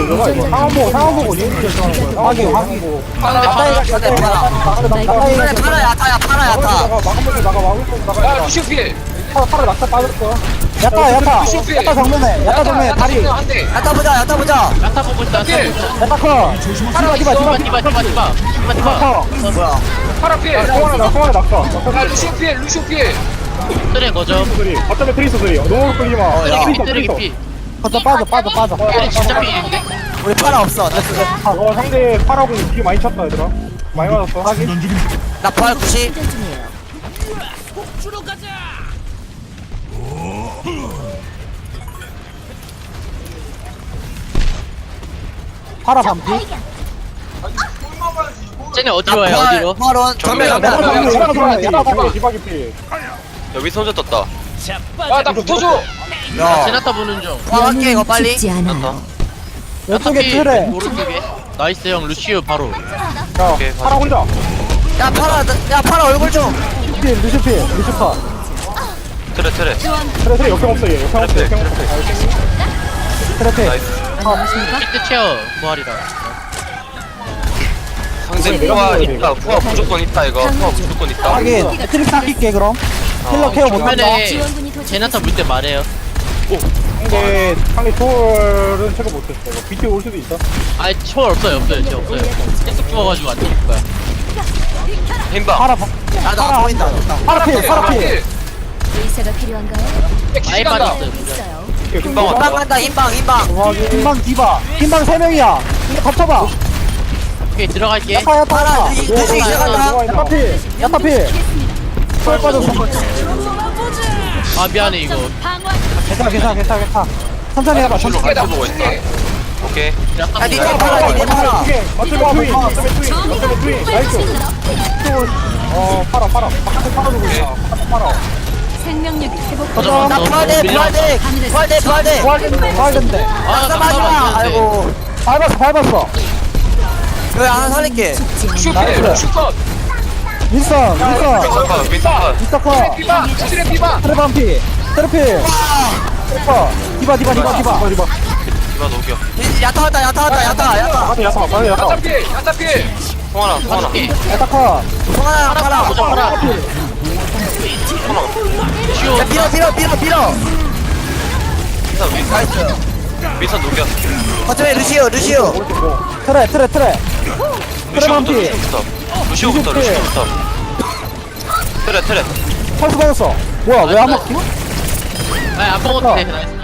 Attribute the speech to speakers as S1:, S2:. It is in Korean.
S1: 너가 이거 상황 보고 리액션 하는 거야. 확인.
S2: 파라 야타야 파라 야타.
S3: 야 루시오 피해.
S1: 파라 낙타 빠졌어.
S3: 야타
S1: 정면에 다리.
S3: 한대.
S2: 야타 보자 야타 보자.
S4: 야타 보고 있다.
S3: 피해.
S1: 야타 커.
S4: 디바.
S2: 뭐야?
S3: 파라 피해.
S1: 송환에 낙타.
S3: 야 루시오 피해. 루시오 피해.
S4: 트레 거점.
S1: 어쩌면 트리스 소리. 너무 끌리지 마.
S4: 트레 피.
S1: 빠져.
S4: 트레 진짜 피인데?
S2: 우리 파라 없어.
S1: 상대 파라고 되게 많이 쳤다 얘들아. 많이 맞았어. 확인.
S2: 나 파라 90.
S1: 파라 반피.
S4: 쟤네 어디로 와요? 어디로?
S2: 파론 정면
S1: 디바기 피.
S5: 여기 손자 떴다.
S3: 야나 붙어줘.
S2: 야
S4: 제나타 보는 중.
S2: 파할게 이거 빨리.
S6: 죽지 않아.
S1: 왼쪽에 틀에.
S4: 오른쪽에. 나이스 형 루시오 바로.
S5: 오케이,
S1: 파라 혼자.
S2: 야 파라 얼굴 좀.
S1: 루시파.
S5: 트레.
S1: 트레 역경 없어 얘. 역경 없어. 트레.
S5: 나이스.
S4: 히트 체어 부활이다.
S5: 상대 후아 있다. 후아 무조건 있다 이거. 후아 무조건 있다.
S1: 트릭 삭힐게 그럼. 힐러 케어 못한다.
S4: 화면에 제나타 물 때 말해요.
S1: 상대 초월은 체크 못했어. 이거 BT 올 수도 있어.
S4: 아니 초월 없어요. 진짜 없어요. 계속 죽어가지고 안 죽을 거야.
S5: 힘방.
S2: 야나 보인다.
S1: 파라 피.
S6: 의사가 필요한가요?
S4: 아예 빠졌어요.
S6: 있어요.
S5: 힘방 왔다.
S2: 인방 간다 인방.
S1: 흰방 디바. 흰방 3명이야. 이거 덮쳐봐.
S4: 오케이 들어갈게.
S2: 파라 이제 시작한다.
S1: 야타 피. 초월 빠졌어.
S4: 아 미안해 이거.
S1: 괜찮아. 천천히 해봐.
S5: 줄로 같이 보고 있다. 오케이.
S2: 야 니네 파라.
S1: 어쩌면 트윈. 나이스. 파라. 바깥에 파라 두고 있다. 파라.
S6: 생명력이 회복.
S2: 나 부활돼.
S1: 부활된대.
S2: 아 마지막. 아이고.
S1: 밟았어.
S2: 여기 하나 살릴게.
S3: 루시오 피해. 루시오 컷.
S1: 윈선.
S5: 윈스턴.
S1: 미스터커.
S3: 피바. 트레 피바.
S1: 트레반피. 트레필. 디바.
S5: 디바 녹여.
S2: 야타 왔다.
S1: 야타.
S3: 야타 피해. 야타 피해.
S5: 송하나.
S1: 야타커.
S2: 송하나 파라.
S4: 보자 파라. 루시오.
S2: 야 밀어.
S5: 윈스턴 녹여.
S2: 거점에 루시오.
S1: 트레. 트레반피.
S5: 루시오부터. 트레.
S1: 펄스 받았어. 뭐야 왜 안 먹지?
S4: 아니 안 먹어도 돼. 나이스.